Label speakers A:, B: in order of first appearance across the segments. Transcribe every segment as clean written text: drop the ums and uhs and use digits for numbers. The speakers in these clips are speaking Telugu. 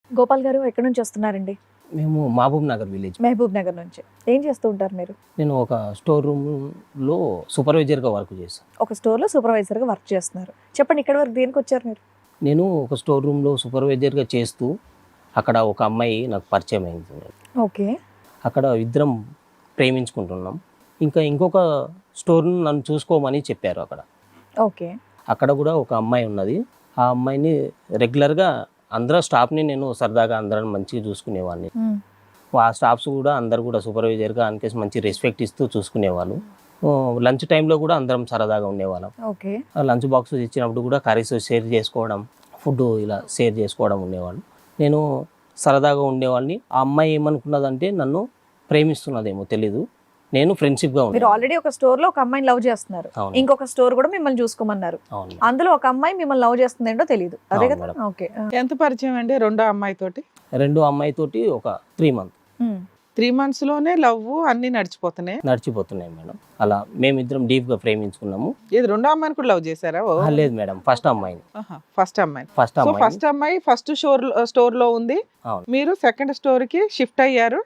A: గోపాల్ గారు ఎక్కడి నుంచి వస్తున్నారండి?
B: మేము Mahbubnagar village.
A: Mahbubnagar నుంచి. ఏం చేస్తూ ఉంటారు మీరు?
B: నేను ఒక స్టోర్ రూమ్లో సూపర్వైజర్గా వర్క్ చేస్తాను.
A: ఒక స్టోర్లో సూపర్వైజర్గా వర్క్ చేస్తున్నారు. చెప్పండి, ఇక్కడ వరకు దేనికి వచ్చారు మీరు?
B: నేను ఒక స్టోర్ రూమ్లో సూపర్వైజర్గా చేస్తూ అక్కడ ఒక అమ్మాయి నాకు పరిచయం అయింది.
A: ఓకే.
B: అక్కడ ఇద్దరం ప్రేమించుకుంటున్నాం. ఇంకొక స్టోర్ను నన్ను చూసుకోమని చెప్పారు అక్కడ.
A: ఓకే.
B: అక్కడ కూడా ఒక అమ్మాయి ఉన్నది. ఆ అమ్మాయిని రెగ్యులర్గా అందరూ స్టాఫ్ని నేను సరదాగా అందరం మంచిగా చూసుకునేవాడిని. ఆ స్టాఫ్స్ కూడా అందరు కూడా సూపర్వైజర్గా అనికేసి మంచి రెస్పెక్ట్ ఇస్తూ చూసుకునేవాళ్ళు. లంచ్ టైంలో కూడా అందరం సరదాగా ఉండేవాళ్ళం.
A: ఓకే.
B: లంచ్ బాక్స్ ఇచ్చినప్పుడు కూడా కర్రీస్ షేర్ చేసుకోవడం, ఫుడ్ ఇలా షేర్ చేసుకోవడం ఉండేవాళ్ళు. నేను సరదాగా ఉండేవాళ్ళని. ఆ అమ్మాయి ఏమనుకున్నదంటే నన్ను ప్రేమిస్తున్నదేమో తెలీదు. నేను ఫ్రెండ్షిప్గా
A: మీరు ఆల్రెడీ ఒక స్టోర్ లో ఒక అమ్మాయిని లవ్ చేస్తున్నారు, ఇంకొక స్టోర్ కూడా మిమ్మల్ని చూసుకోమన్నారు. అందులో ఒక అమ్మాయి మిమ్మల్ని లవ్ చేస్తుంది ఏంటో తెలియదు, అదే కదా? ఓకే.
C: ఎంత పరిచయం అండి రెండో అమ్మాయితోటి?
B: రెండో అమ్మాయితోటి ఒక 3 months.
C: 3 months లోనే లవ్ అన్ని నడిచిపోతున్నాయి
B: మేడం. అలా మేమిద్దరం డీప్ గా ప్రేమించుకున్నాము.
C: ఇది రెండో అమ్మాయిని కూడా లవ్ చేశారా?
B: లేదు మేడం, ఫస్ట్ అమ్మాయిని.
C: ఫస్ట్ అమ్మాయి ఫస్ట్ స్టోర్ లో ఉంది. మీరు సెకండ్ స్టోర్ కి షిఫ్ట్ అయ్యారు.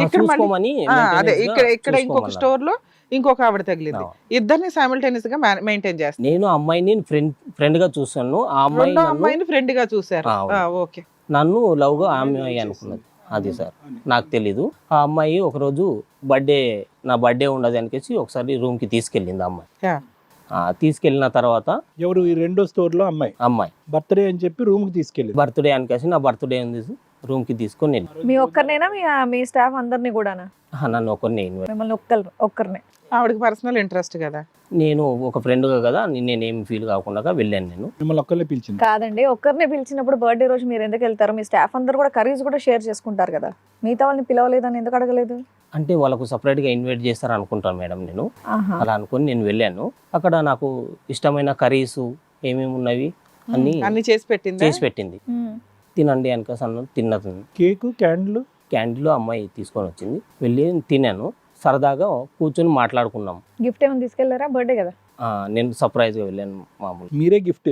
C: ఇక్కడ ఇంకొక స్టోర్ లో ఇంకొక ఆవిడ తగిలింది. ఇద్దరిని సైమల్టేనియస్ గా మెయింటైన్ చేస్తారు.
B: నేను అమ్మాయిని ఫ్రెండ్ గా చూసాను, ఆ
C: అమ్మాయిని ఫ్రెండ్ గా చూసారు. ఓకే.
B: నన్ను లవ్ గా అమ్మాయి అనుకున్నది. అది సార్ నాకు తెలీదు. ఆ అమ్మాయి ఒకరోజు నా బర్త్డే ఉండదు అనికేసి ఒకసారి రూమ్ కి తీసుకెళ్ళింది అమ్మాయి. తీసుకెళ్ళిన తర్వాత
D: ఎవరు? ఈ రెండో స్టోర్ లో అమ్మాయి బర్త్డే అని చెప్పి రూమ్ కి తీసుకెళ్ళి,
B: బర్త్డే అనికేసి నా బర్త్డే ఉంది రూమ్ కి తీసుకొని వెళ్ళి.
A: మీ ఒక్కరినేనా మీ స్టాఫ్ అందరినీ కూడానా?
B: నన్ను ఒకరిని.
A: మిమ్మల్ని ఒక్కరినే?
C: ఆవిడకి పర్సనల్ ఇంట్రెస్ట్ కదా,
B: నేను ఒక ఫ్రెండ్గా కదా నేనేం ఫీల్ కాకుండా వెళ్ళాను. నేను
D: మిమ్మల్ని ఒక్కరినే పిలిచింది
A: కాదండి. ఒక్కరినే పిలిచినప్పుడు బర్త్డే రోజు మీరు ఎందుకు వెళ్తారు? మీ స్టాఫ్ అందరు కూడా కర్రీస్ కూడా షేర్ చేసుకుంటారు కదా, మిగతా వాళ్ళని పిలవలేదని ఎందుకు అడగలేదు?
B: అంటే వాళ్ళకు సపరేట్గా ఇన్వైట్ చేస్తారు అనుకుంటాను మేడం. నేను అలా అనుకుని నేను వెళ్ళాను. అక్కడ నాకు ఇష్టమైన కర్రీస్ ఏమేమి ఉన్నవి
C: అన్ని చేసి
B: పెట్టింది. తినండి అనికేసి అన్న తిన్నది.
D: కేక్
B: క్యాండిల్ అమ్మాయి తీసుకొని వచ్చింది. వెళ్ళి తినాను. సరదాగా కూర్చొని మాట్లాడుకున్నాం.
A: గిఫ్ట్ ఏమైనా తీసుకెళ్లారా? బర్త్డే కదా.
B: నేను సర్ప్రైజ్ గా వెళ్ళాను. మామూలు
D: మీరే గిఫ్ట్,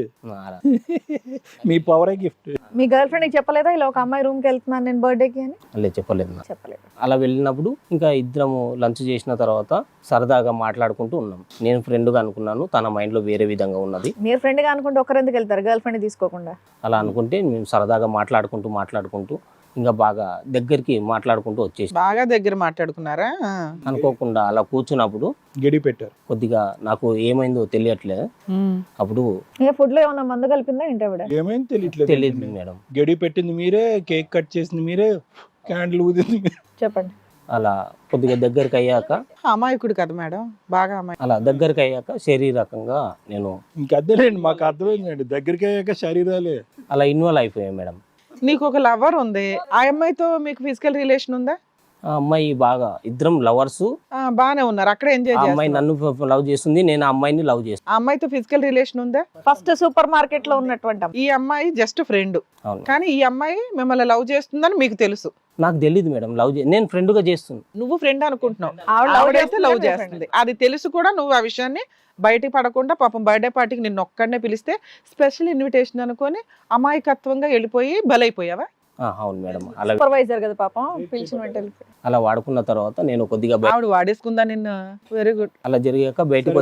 D: మీ పవరే గిఫ్ట్.
A: మీ గర్ల్ ఫ్రెండ్ చెప్పలేదా ఇలా ఒక అమ్మాయి రూమ్ కి వెళ్తున్నాను నేను బర్త్డేకి అని?
B: లేదు, చెప్పలేదు. అలా వెళ్ళినప్పుడు ఇంకా ఇద్దరము లంచ్ చేసిన తర్వాత సరదాగా మాట్లాడుకుంటూ ఉన్నాం. నేను ఫ్రెండ్ గా అనుకున్నాను, తన మైండ్ లో వేరే విధంగా ఉన్నది.
A: మీరు ఫ్రెండ్ గా అనుకుంటే ఒకరు ఎందుకు వెళ్తారు గర్ల్ ఫ్రెండ్ తీసుకోకుండా?
B: అలా అనుకుంటే మేము సరదాగా మాట్లాడుకుంటూ ఇంకా బాగా దగ్గరికి మాట్లాడుకుంటూ వచ్చేసి
C: బాగా దగ్గర మాట్లాడుకున్నారా?
B: అనుకోకుండా అలా కూర్చున్నప్పుడు
D: గడి పెట్టారు.
B: కొద్దిగా నాకు ఏమైందో తెలియట్లేదు. అప్పుడు
A: ఫుడ్ లో ఏమన్నా మందు కలిపిందా ఏంటి?
D: ఏమైంది
B: తెలియదు మేడం.
D: గడి పెట్టింది మీరే, కేక్ కట్ చేసింది మీరే, క్యాండిల్ ఊదింది.
A: చెప్పండి.
B: అలా కొద్దిగా దగ్గరికి అయ్యాక,
C: అమాయకుడు కదా మేడం, బాగా
B: అలా దగ్గరికి అయ్యాక శారీరకంగా నేను
D: ఇంకా అర్థలేండి, మాకు అర్థమైందండి. దగ్గరికి అయ్యాక శరీరాలే
B: అలా ఇన్వాల్వ్ అయిపోయాయి మేడం.
C: నీకు ఒక లవర్ ఉంది, ఆ అమ్మాయితో మీకు ఫిజికల్ రిలేషన్ ఉందా?
B: ఆ అమ్మాయి బాగా ఇద్దరం లవర్స్
C: బానే ఉన్నారు, అక్కడ ఎంజాయ్ చేస్తారు.
B: అమ్మాయి నన్ను లవ్ చేస్తుంది, నేను ఆ అమ్మాయిని లవ్ చేస్తాను.
C: ఆ అమ్మాయితో ఫిజికల్ రిలేషన్ ఉందా?
A: ఫస్ట్ సూపర్ మార్కెట్ లో ఉన్నటువంటి
C: ఈ అమ్మాయి జస్ట్ ఫ్రెండ్, కానీ ఈ అమ్మాయి మిమ్మల్ని లవ్ చేస్తుందని మీకు తెలుసు?
B: నాకు తెలియదు మేడం. నేను ఫ్రెండ్ గా చేస్తుంది.
C: నువ్వు ఫ్రెండ్ అనుకుంటున్నావు, ఆవిడైతే లవ్ చేస్తుంది. అది తెలుసు కూడా నువ్వు ఆ విషయాన్ని బయటికి పడకుండా పాపం బర్త్డే పార్టీకి నిన్ను ఒక్కడనే పిలిస్తే స్పెషల్ ఇన్విటేషన్ అనుకొని అమాయకత్వంగా వెళ్ళిపోయి బలైపోయావా?
B: అవును మేడం. అలా
A: సూపర్వైజర్ కదా పాపం, పిలిచిన వెంటనే
B: అలా వాడుకున్న తర్వాత నేను కొద్దిగా
C: ఆవిడ వాడేసుకుందా నిన్ను? Very good.
B: అలా జరిగాక బయటకు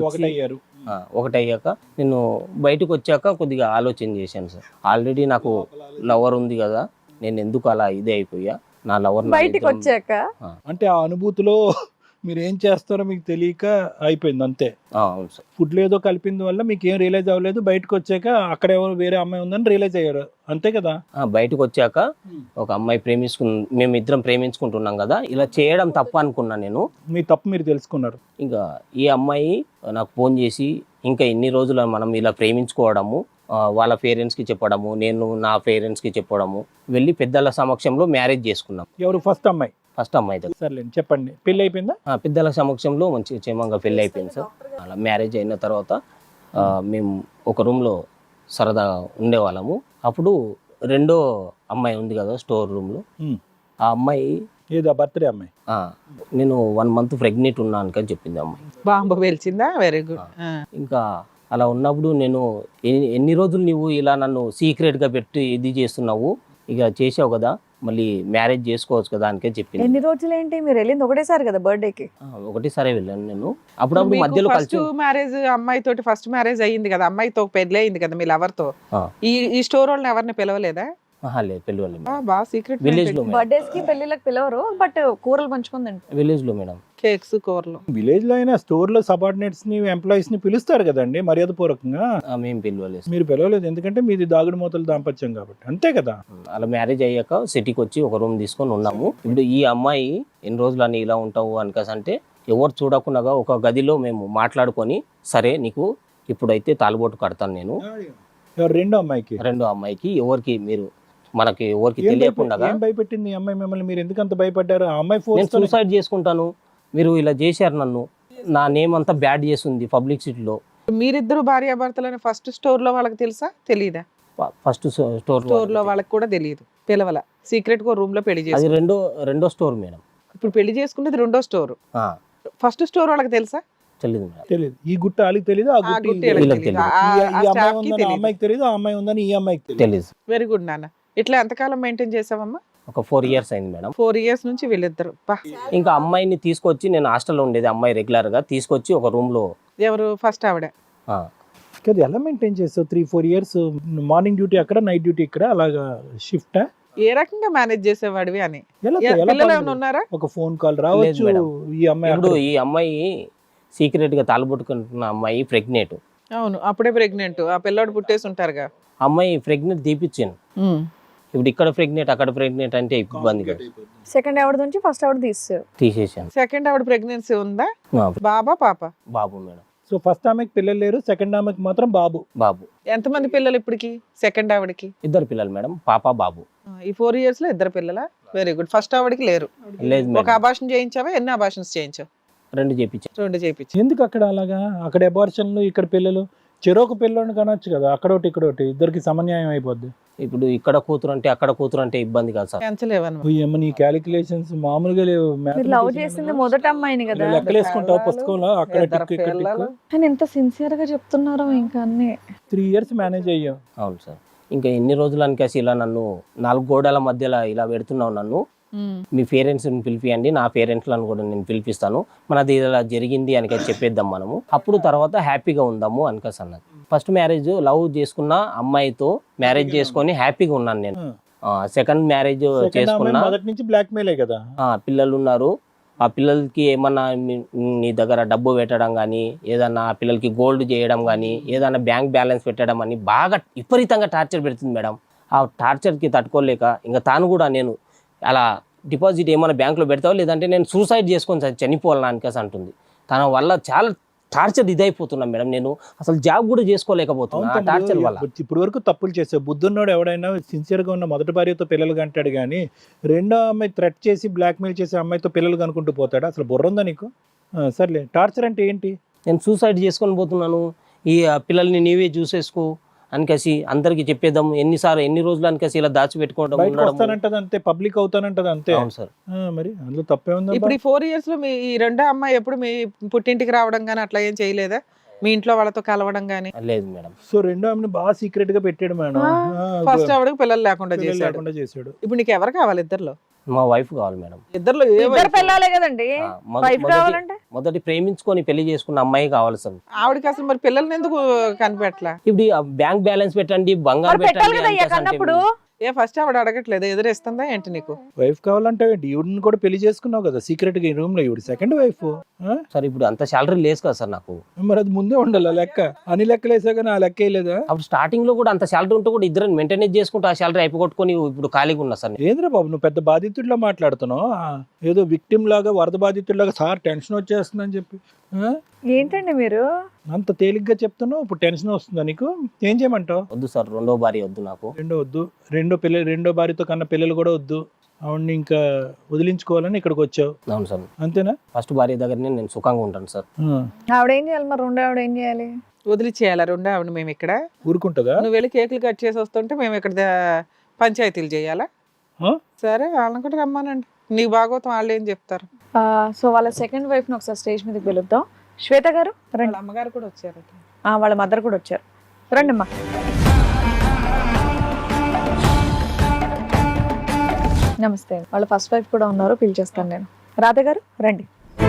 B: ఒకటయ్యాక నేను బయటకు వచ్చాక కొద్దిగా ఆలోచన చేశాను సార్. ఆల్రెడీ నాకు లవర్ ఉంది కదా, నేను ఎందుకు అలా ఇదే అయిపోయా నా లవర్
A: బయటకు వచ్చాక.
D: అంటే ఆ అనుభూతిలో మీరు ఏం చేస్తారో మీకు తెలియక అయిపోయింది అంతే.
B: అవును సార్.
D: ఫుడ్ లో ఏదో కలిపింది వల్ల మీకు ఏం రియలైజ్ అవ్వలేదు. బయటకు వచ్చాక అక్కడ ఎవరు వేరే అమ్మాయి ఉందని రియలైజ్ అయ్యారు, అంతే కదా?
B: బయటకు వచ్చాక ఒక అమ్మాయి మేము ఇద్దరం ప్రేమించుకుంటున్నాం కదా, ఇలా చేయడం తప్పు అనుకున్నా నేను.
D: మీ తప్పు మీరు తెలుసుకున్నారు.
B: ఇంకా ఈ అమ్మాయి నాకు ఫోన్ చేసి ఇంకా ఎన్ని రోజులు మనం ఇలా ప్రేమించుకోవడము, వాళ్ళ పేరెంట్స్కి చెప్పడము, నేను నా పేరెంట్స్కి చెప్పడము, వెళ్ళి పెద్దల సమక్షంలో మ్యారేజ్ చేసుకున్నాం.
D: ఎవరు? ఫస్ట్ అమ్మాయి
B: దగ్గర.
D: సర్లేండి, చెప్పండి. పెళ్ళి అయిపోయిందా?
B: పెద్దల సమక్షంలో మంచి క్షేమంగా పెళ్ళి అయిపోయింది సార్. అలా మ్యారేజ్ అయిన తర్వాత మేము ఒక రూమ్లో సరదాగా ఉండేవాళ్ళము. అప్పుడు రెండో అమ్మాయి ఉంది కదా స్టోర్ రూమ్లో, ఆ అమ్మాయి
D: ఏదో బర్త్డే అమ్మాయి,
B: నేను 1 month ప్రెగ్నెంట్ ఉన్నాను అని చెప్పింది అమ్మాయి.
C: బాంబు పేల్చిందా? Very good.
B: ఇంకా అలా ఉన్నప్పుడు నేను ఎన్ని రోజులు నువ్వు ఇలా నన్ను సీక్రెట్గా పెట్టి ఇది చేస్తున్నావు, ఇక చేసావు కదా మళ్ళీ మ్యారేజ్ చేసుకోవచ్చు కదా అనికే చెప్పింది.
A: ఎన్ని రోజులు ఏంటి మీరు వెళ్ళింది ఒకటేసారి కదా బర్త్డేకి?
B: ఒకటేసారి వెళ్ళాను నేను. అప్పుడప్పుడు మధ్యలో
C: ఫస్ట్
B: కలిసి
C: మ్యారేజ్ అమ్మాయి తోటి ఫస్ట్ మ్యారేజ్ అయ్యింది కదా, అమ్మాయితో పెళ్లి అయింది కదా మీ లవర్ తో. ఈ స్టోర్ వాళ్ళని ఎవరిని పిలవలేదా?
B: లేదు పిల్లలు
C: బాగా సీక్రెట్
B: విలేజ్ లో
A: బర్త్డేస్ కి పెళ్లిళ్ళకి పిలవరు, బట్ కూరలు పంచుకుందండి.
B: విలేజ్ లో మేడం.
C: కేక్స్ కూరలు.
D: విలేజ్ లో అయినా స్టోర్ లో సబార్డినేట్స్ ని ఎంప్లాయీస్ ని పిలుస్తారు కదండి మర్యాద పూర్వకంగా.
B: మేము పిలవలేదు.
D: మీరు పిలవలేదు ఎందుకంటే మీది దాగుడు మూతలు దాంపత్యం కాబట్టి, అంతే కదా.
B: అలా మ్యారేజ్ అయ్యాక సిటీకి వచ్చి ఒక రూమ్ తీసుకొని ఉన్నాము. ఇప్పుడు ఈ అమ్మాయి ఎన్ని రోజులు అని ఇలా ఉంటావు అనుకసంటే ఎవరు చూడకుండా ఒక గదిలో మేము మాట్లాడుకొని సరే నీకు ఇప్పుడైతే తాలిబోటు కడతాను నేను. రెండో అమ్మాయికి ఎవరికి మీరు మనకి ఎవరికి తెలియకుండా
D: ఏం భయపెట్టింది ఈ అమ్మాయి మిమ్మల్ని? మీరు ఎందుకు అంత భయపడ్డారు? ఆ అమ్మాయి
B: నేను సూసైడ్ చేసుకుంటాను, మీరు ఇలా చేశారు, నన్ను నా నేమ్ అంతా బ్యాడ్ చేస్తుంది పబ్లిక్ సిటీలో.
C: మీరిద్దరు భార్యాభర్తలని ఫస్ట్ స్టోర్ లో వాళ్ళకి తెలుసా తెలీదా?
B: ఫస్ట్
C: స్టోర్ లో వాళ్ళకి కూడా తెలియదు, పిలవల, సీక్రెట్ గా రూమ్ లో పెళ్లి చేసి.
B: అది రెండో స్టోర్ మేడం.
C: ఇప్పుడు పెళ్లి చేసుకునేది రెండో స్టోర్. ఫస్ట్ స్టోర్ వాళ్ళకి తెలుసా?
B: తెలియదు మేడం.
D: తెలియదు. ఈ గుట్ట వాళ్ళకి తెలియదు, ఆ గుట్ట అమ్మాయికి తెలియదు, ఆ అమ్మాయి ఉందని ఈ అమ్మాయికి
B: తెలియదు.
C: వెరీ గుడ్ నాన్న. ఇట్లా ఎంతకాలం మెయింటైన్ చేసావమ్మా?
B: ఒక 4 years అయింది మేడం.
C: 4 years నుంచి వీళ్ళిద్దరు.
B: ఇంకా అమ్మాయిని తీసుకొచ్చి నేను హాస్టల్లో ఉండేది, అమ్మాయి రెగ్యులర్ గా తీసుకొచ్చి ఒక రూమ్ లో.
C: ఎవరు? ఫస్ట్ ఆవిడ.
D: కదా ఎలా మెయింటైన్ చేస్తావు 3-4 years? మార్నింగ్ డ్యూటీ అక్కడ, నైట్ డ్యూటీ ఇక్కడ, అలాగా షిఫ్ట్.
C: ఏ రకంగా మేనేజ్ చేసేవాడివి అని? పిల్లలు ఏమైనా ఉన్నారా?
D: ఒక ఫోన్ కాల్ రావచ్చు.
B: ఈ అమ్మాయి సీక్రెట్ గా తాళబొట్టుకుంటున్న అమ్మాయి ప్రెగ్నెంట్.
C: అవును, అప్పుడే ప్రెగ్నెంట్. ఆ పిల్లాడు పుట్టేసి ఉంటారుగా.
B: అమ్మాయి ప్రెగ్నెంట్ తీపిచ్చాను. ఇప్పుడు ఇక్కడ ప్రెగ్నెంట్ అక్కడ ప్రెగ్నెంట్ అంటే ఇబ్బంది కదా.
A: సెకండ్ ఆవిడ నుంచి ఫస్ట్ ఆవిడ
B: తీసేసాను.
C: సెకండ్ ఆవిడ ప్రెగ్నెన్సీ ఉందా? బాబా పాప?
B: బాబు మేడం.
D: సో ఫస్ట్ ఆమెకి పిల్లలు లేరు, సెకండ్ ఆమెకి మాత్రం బాబు.
C: ఎంతమంది పిల్లలు ఇప్పటికి సెకండ్ ఆవిడకి?
B: 2 పిల్లలు మేడం, పాప బాబు.
C: ఈ 4 years లో 2 పిల్లలా? Very good. ఫస్ట్ ఆవిడకి లేరు.
B: లేదు.
C: ఒక అబార్షన్ చేయించావా? ఎన్ని అబార్షన్స్ చేయించావు?
B: 2 చేయించాను.
C: 2 చేయించు.
D: ఎందుకు అక్కడ అలాగా? అక్కడ అబార్షన్లు, ఇక్కడ పిల్లలు. చెరోకు పిల్లని కనొచ్చు కదా, అక్కడోటి ఇక్కడోటి, ఇద్దరికి సమన్యాయం అయిపోద్ది.
B: ఇప్పుడు ఇక్కడ కూతురు అంటే అక్కడ కూతురు అంటే ఇబ్బంది కాదు సార్.
D: నీ క్యాలిక్యులేషన్స్ మామూలుగా లేవు.
A: లవ్ చేసింది మొదట అమ్మాయిని కదా,
D: లెక్కలేసుకుంటావు పుస్తకంలో. అక్కడ
A: కానీ ఎంత సిన్సియర్ గా చెప్తున్నారో. ఇంకా అన్ని
D: 3 years మేనేజ్ అయ్యాం.
B: అవును సార్. ఇంకా ఎన్ని రోజులు అనికేసి ఇలా నన్ను 4 గోడల మధ్యలో ఇలా పెడుతున్నావు నన్ను. మీ పేరెంట్స్ని పిలిపియండి, నా పేరెంట్లను కూడా నేను పిలిపిస్తాను, మనది ఇలా జరిగింది అని చెప్పేద్దాం మనము, అప్పుడు తర్వాత హ్యాపీగా ఉందాము అనికేసి అన్నది. ఫస్ట్ మ్యారేజ్ లవ్ చేసుకున్న అమ్మాయితో మ్యారేజ్ చేసుకొని హ్యాపీగా ఉన్నాను నేను. సెకండ్ మ్యారేజ్ చేసుకున్నా, పిల్లలు ఉన్నారు. ఆ పిల్లలకి ఏమన్నా నీ దగ్గర డబ్బు పెట్టడం కానీ, ఏదన్నా పిల్లలకి గోల్డ్ చేయడం కానీ, ఏదన్నా బ్యాంక్ బ్యాలెన్స్ పెట్టడం అని బాగా విపరీతంగా టార్చర్ పెడుతుంది మేడం. ఆ టార్చర్కి తట్టుకోలేక ఇంకా తాను కూడా నేను అలా డిపాజిట్ ఏమైనా బ్యాంకులో పెడతావు, లేదంటే నేను సూసైడ్ చేసుకొని చనిపోవాలని అనికేసి అంటుంది. తన వల్ల చాలా టార్చర్ ఇదైపోతున్నాం మేడం. నేను అసలు జాబ్ కూడా చేసుకోలేకపోతున్నా ఆ టార్చర్ వల్ల.
D: ఇప్పుడు వరకు తప్పులు చేసావు. బుద్ధున్నోడు ఎవడైనా సిన్సియర్గా ఉన్న మొదటి భార్యతో పిల్లలు కంటాడు కానీ, రెండో అమ్మాయి థ్రెట్ చేసి బ్లాక్మెయిల్ చేసి అమ్మాయితో పిల్లలు కనుకుంటూ పోతాడు. అసలు బుర్ర ఉందా నీకు? సర్లే, టార్చర్ అంటే ఏంటి?
B: నేను సూసైడ్ చేసుకొని పోతున్నాను, ఈ పిల్లల్ని నీవే చూసేసుకో అనికేసి అందరికి చెప్పేద్దాం. ఎన్ని రోజులు అనికేసి ఇలా దాచిపెట్టుకోవడం,
D: అంతే పబ్లిక్ అవుతానంటది అంతే.
B: అవును సార్.
D: మరి అందులో తప్పే ఉంది.
C: ఇప్పుడు ఈ 4 years లో మీ ఈ రెండో అమ్మాయి ఎప్పుడు మీ పుట్టింటికి రావడం కానీ అట్లా ఏం చేయలేదా? మీ ఇంట్లో వాళ్ళతో కలవడం కానీ?
B: లేదు మేడం.
D: సో రెండో ఆమెను బాగా సీక్రెట్ గా పెట్టాడు మేడం.
C: ఫస్ట్ ఆవిడకి పిల్లలు లేకుండా చేశాడు. ఇప్పుడు నీకు ఎవరు కావాలి? ఇద్దరులో
B: మా వైఫ్ కావాలి మేడం.
C: ఇద్దరులో
A: పిల్లలే కదండి.
B: మొదటి ప్రేమించుకొని పెళ్లి చేసుకున్న అమ్మాయి కావాలి సార్.
C: ఆవిడకి అసలు మరి పిల్లల్ని ఎందుకు కనిపెట్టలా?
B: ఇప్పుడు బ్యాంక్ బ్యాలెన్స్ పెట్టండి, బంగారం పెట్టండి.
C: ఫస్ట్ ఆవిడ అడగట్లేదు, ఎదురేస్తుందా ఏంటి నీకు?
D: వైఫ్ కావాలంటే ఈవిడని కూడా పెళ్లి చేసుకున్నావు కదా సీక్రెట్ గా ఈ రూమ్ లో. ఈవిడ సెకండ్ వైఫ్.
B: సార్ ఇప్పుడు అంత శాలరీ లేదు కదా సార్ నాకు.
D: మరి అది ముందే ఉండాలి లెక్క. అన్ని లెక్కలు వేసా కానీ ఆ లెక్క వేయలేదా?
B: అప్పుడు స్టార్టింగ్ లో కూడా అంత శాలరీ ఉంటే కూడా ఇద్దరు మెయింటైన్ చేసుకుంటూ ఆ శాలరీ అయిపోగొట్టుకొని ఇప్పుడు ఖాళీగా ఉన్నా సార్.
D: ఏంద్రా బాబు నువ్వు పెద్ద బాధితుడిలో మాట్లాడుతున్నావు. ఏదో విక్టిమ్ లాగా, వరద బాధితుడిలాగా సార్ టెన్షన్ వచ్చేస్తుందని చెప్పి.
A: ఏంటండి మీరు
D: అంత తేలిగ్గా చెప్తున్నావు? ఇప్పుడు టెన్షన్ వస్తుందా నీకు? ఏం చేయమంటావు?
B: వద్దు సార్, రెండో భార్య వద్దు నాకు.
D: వద్దు. రెండో భార్యతో కన్నా పిల్లలు కూడా వద్దు. ఆవిడ్ని ఇంకా వదిలించుకోవాలని ఇక్కడికి వచ్చావు.
B: అవును సార్.
D: అంతేనా?
B: ఫస్ట్ భార్య దగ్గరనే నేను సుఖంగా ఉంటాను సార్.
A: ఆవిడ ఏం చేయాలి మరి? రెండో ఆవిడ ఏం చేయాలి?
C: వదిలిచేయాలా రెండో ఆవిడ? మేము ఇక్కడ
D: ఊరుకుంటుందా?
C: నువ్వు వెళ్ళి కేకులు కట్ చేసి వస్తుంటే మేము ఇక్కడ పంచాయతీలు చేయాలా? సరే, వాళ్ళని కూడా రమ్మానండి. నీకు బాగోతాం వాళ్ళు ఏం చెప్తారు.
A: సో వాళ్ళ సెకండ్ వైఫ్ ని ఒకసారి స్టేజ్ మీదకి పిలుద్దాం. శ్వేత గారు రండి.
C: అమ్మగారు కూడా వచ్చారు,
A: వాళ్ళ మదర్ కూడా వచ్చారు. రండి అమ్మా. నమస్తే. వాళ్ళ ఫస్ట్ వైఫ్ కూడా ఉన్నారు, పిలిచేస్తాను నేను. రాధ గారు రండి.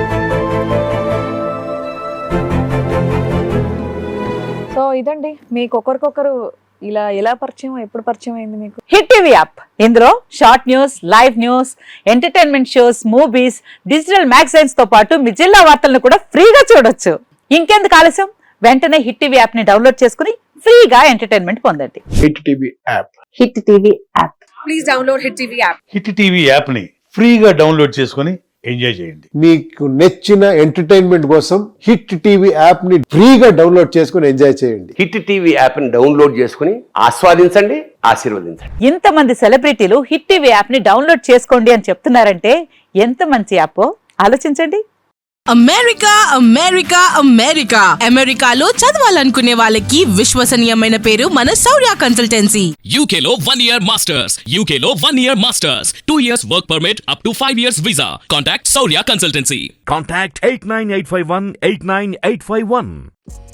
A: సో ఇదండి మీకు ఒకరికొకరు ఇలా ఎలా పరిచయం, ఎప్పుడు పరిచయం అయింది మీకు?
E: హిట్ టీవీ యాప్, ఇందులో short news, live news, entertainment shows, movies, digital magazines తో పాటు మీ జిల్లా వార్తలను కూడా ఫ్రీగా చూడొచ్చు. ఇంకెందుకు ఆలస్యం, వెంటనే హిట్ టీవీ యాప్ ని డౌన్లోడ్ చేసుకుని ఫ్రీగా ఎంటర్టైన్మెంట్ పొందండి.
F: Hit TV app.
E: Hit TV app.
A: Please download hit TV app.
G: Hit TV యాప్ని ఫ్రీగా డౌన్లోడ్ చేసుకొని ఎంజాయ్ చేయండి.
F: మీకు నచ్చిన ఎంటర్టైన్మెంట్ కోసం హిట్ టీవీ యాప్ ని ఫ్రీగా డౌన్లోడ్ చేసుకొని ఎంజాయ్ చేయండి.
H: హిట్ టీవీ యాప్ ని డౌన్లోడ్ చేసుకుని ఆస్వాదించండి, ఆశీర్వదించండి.
E: ఇంతమంది సెలబ్రిటీలు హిట్ టీవీ యాప్ ని డౌన్లోడ్ చేసుకోండి అని చెప్తున్నారంటే ఎంత మంచి యాప్ ఆలోచించండి.
I: అమెరికా అమెరికా అమెరికా అమెరికాలో చదవాలనుకునే వాళ్ళకి విశ్వసనీయమైన పేరు మన శౌర్య కన్సల్టెన్సీ.
J: UK లో 1 year masters, UK లో 1 year masters, 2 years work permit up to 5 years visa. Contact Saurya Consultancy.
K: Contact 89851 89851.